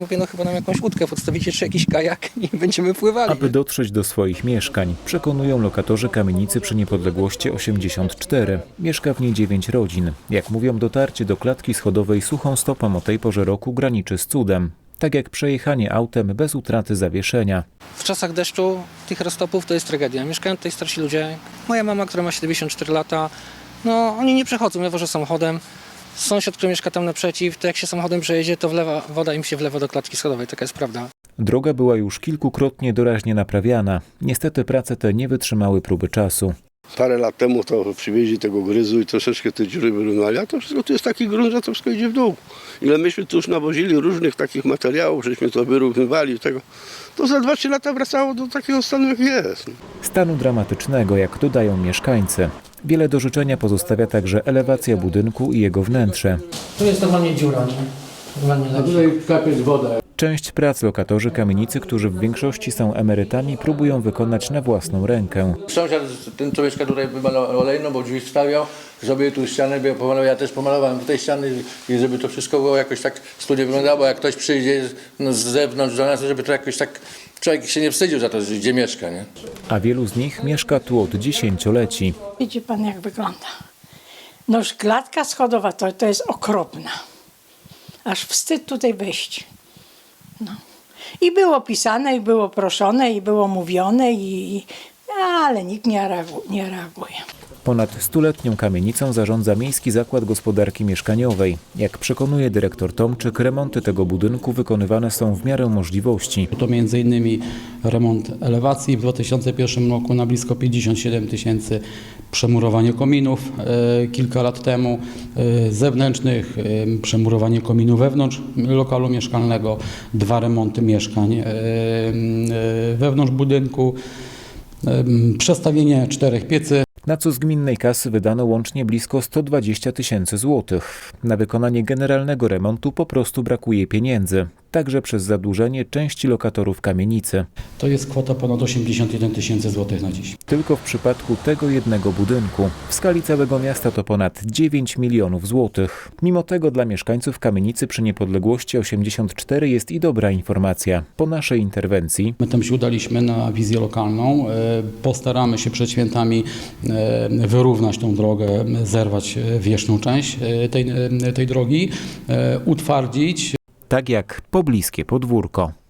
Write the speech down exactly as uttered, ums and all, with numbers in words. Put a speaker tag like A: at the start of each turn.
A: Mówię, no chyba nam jakąś łódkę podstawicie, czy jakiś kajak i będziemy pływali.
B: Aby dotrzeć do swoich mieszkań, przekonują lokatorzy kamienicy przy Niepodległości osiemdziesiąt cztery. Mieszka w niej dziewięć rodzin. Jak mówią, dotarcie do klatki schodowej suchą stopą o tej porze roku graniczy z cudem. Tak jak przejechanie autem bez utraty zawieszenia.
A: W czasach deszczu tych roztopów to jest tragedia. Mieszkają tutaj starsi ludzie. Moja mama, która ma siedemdziesiąt cztery lata, no oni nie przechodzą, ja wożę samochodem. Sąsiad, który mieszka tam naprzeciw, to jak się samochodem przejedzie, to wlewa, woda im się wlewa do klatki schodowej. Taka jest prawda.
B: Droga była już kilkukrotnie doraźnie naprawiana. Niestety prace te nie wytrzymały próby czasu.
C: Parę lat temu to przywieźli tego gryzu i troszeczkę te dziury wyrównali, a to wszystko tu jest taki grunt, że to wszystko idzie w dół. Ile myśmy tu już nawozili różnych takich materiałów, żeśmy to wyrównywali, tego, to za dwa trzy lata wracało do takiego stanu, jak jest.
B: Stanu dramatycznego, jak dodają mieszkańcy. Wiele do życzenia pozostawia także elewacja budynku i jego wnętrze.
A: Tu jest normalnie dziura, nie? Normalnie
D: A tutaj kapie woda.
B: Część prac lokatorzy kamienicy, którzy w większości są emerytami, próbują wykonać na własną rękę.
D: Sąsiad, ten co mieszka tutaj, wymalował olejną, bo drzwi stawiał, zrobił tu ścianę, pomalował, ja też pomalowałem tutaj ściany i żeby to wszystko było jakoś tak studio wyglądało, jak ktoś przyjdzie no, z zewnątrz do nas, żeby to jakoś tak człowiek się nie wstydził za to, gdzie mieszka, nie?
B: A wielu z nich mieszka tu od dziesięcioleci.
E: Widzi pan, jak wygląda. No już klatka schodowa to, to jest okropna. Aż wstyd tutaj wejść. No. I było pisane, i było proszone, i było mówione, i, i, ale nikt nie reaguje, nie reaguje.
B: Ponad stuletnią kamienicą zarządza Miejski Zakład Gospodarki Mieszkaniowej. Jak przekonuje dyrektor Tomczyk, remonty tego budynku wykonywane są w miarę możliwości.
F: To między innymi remont elewacji w dwa tysiące pierwszym roku na blisko pięćdziesiąt siedem tysięcy, przemurowanie kominów e, kilka lat temu, e, zewnętrznych, e, przemurowanie kominu wewnątrz lokalu mieszkalnego, dwa remonty mieszkań e, e, wewnątrz budynku, e, przestawienie czterech piecy.
B: Na co z gminnej kasy wydano łącznie blisko sto dwadzieścia tysięcy złotych. Na wykonanie generalnego remontu po prostu brakuje pieniędzy, także przez zadłużenie części lokatorów kamienicy.
F: To jest kwota ponad osiemdziesiąt jeden tysięcy złotych na dziś.
B: Tylko w przypadku tego jednego budynku. W skali całego miasta to ponad dziewięć milionów złotych. Mimo tego dla mieszkańców kamienicy przy Niepodległości osiemdziesiąt cztery jest i dobra informacja. Po naszej interwencji
F: My tam się udaliśmy na wizję lokalną. Postaramy się przed świętami wyrównać tą drogę, zerwać wierzchnią część tej, tej drogi, utwardzić.
B: tak jak pobliskie podwórko.